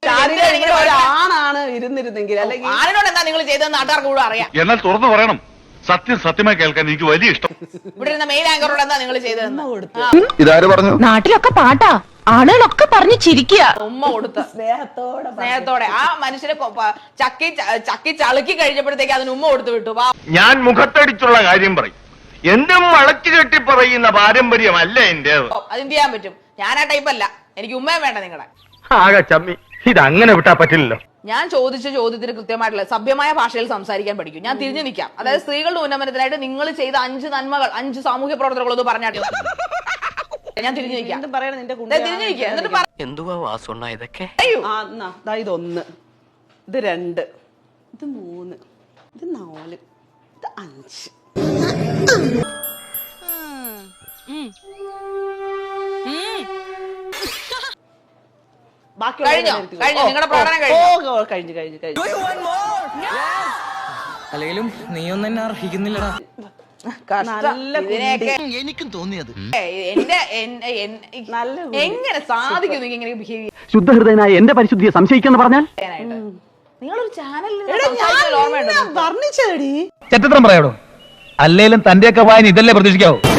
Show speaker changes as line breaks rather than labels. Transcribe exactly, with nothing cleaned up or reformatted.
ആണാണ് ഇരുന്നിരുന്നെങ്കിൽ അല്ലെങ്കിൽ
ആരോട് എന്താ നിങ്ങൾ ചെയ്തതെന്ന് നാട്ടുകാർക്ക് കൂടെ അറിയാം.
എന്നാൽ തുറന്നു പറയണം, സത്യം സത്യമായി കേൾക്കാൻ എനിക്ക് വലിയ ഇഷ്ടം.
ഇവിടെ ഇരുന്ന മെയിൻ ആങ്കറോട് എന്താ നിങ്ങൾ ചെയ്തതെന്ന്
ഇതാര് പറഞ്ഞു?
നാട്ടിലൊക്കെ പാട്ടാ, ആളുകളൊക്കെ പറഞ്ഞു ചിരിക്കുക.
ഉമ്മ കൊടുത്ത്
സ്നേഹത്തോടെ
സ്നേഹത്തോടെ ആ മനുഷ്യനെ ചക്കി ചക്കി ചളുക്കി കഴിഞ്ഞപ്പോഴത്തേക്ക് അതിന് ഉമ്മ കൊടുത്തു വിട്ടു.
ഞാൻ മുഖത്തടിച്ചുള്ള കാര്യം പറയും, എന്നും വളച്ചു കെട്ടി പറയുന്ന പാരമ്പര്യമല്ല എന്റേത്.
അതെന്ത് ചെയ്യാൻ പറ്റും? ഞാൻ ആ ടൈപ്പല്ല, എനിക്ക് ഉമ്മയും വേണ്ട നിങ്ങളെ.
ആകെ ചമ്മി, ഇതങ്ങനെ വിട്ടാ പറ്റില്ലല്ലോ.
ഞാൻ ചോദിച്ച ചോദ്യത്തിന് കൃത്യമായിട്ടുള്ള സഭ്യമായ ഭാഷയിൽ സംസാരിക്കാൻ പഠിക്കും. ഞാൻ തിരിഞ്ഞു നിൽക്കാം. അതായത് സ്ത്രീകളുടെ ഉന്നമനത്തിനായിട്ട് നിങ്ങൾ ചെയ്ത അഞ്ച് നന്മകൾ, അഞ്ച് സാമൂഹ്യ പ്രവർത്തനങ്ങളൊന്ന് പറഞ്ഞാട്ട് ഞാൻ തിരിഞ്ഞു നിൽക്കാം. തിരിഞ്ഞു നിൽക്കാം എന്നിട്ട്
എന്തുവാ വാസുണ്ണ ഇതൊക്കെ?
ഇതൊന്ന്, ഇത് രണ്ട്, ഇത് മൂന്ന്, ഇത് നാല്, ഇത് അഞ്ച്.
കഴിഞ്ഞോ? കഴിഞ്ഞു നിങ്ങളുടെ പ്രകടനം
കഴിഞ്ഞു കഴിഞ്ഞു കഴിഞ്ഞു
അല്ലെങ്കിലും നീ ഒന്നും എന്നെ അർഹിക്കുന്നില്ലടാ.
എനിക്കും തോന്നിയത്
എന്റെ എങ്ങനെ സാധിക്കും ഇങ്ങനെ ബിഹേവ്?
ശുദ്ധഹൃദയനായ എന്റെ പരിശുദ്ധിയെ സംശയിക്കാന്ന് പറഞ്ഞാൽ
നിങ്ങളൊരു ചാനലിൽ
വർണ്ണിച്ചേടി
ചരിത്രം പറയാടോ, അല്ലേലും തന്റെയൊക്കെ വായന ഇതല്ലേ പ്രതീക്ഷിക്കാവോ?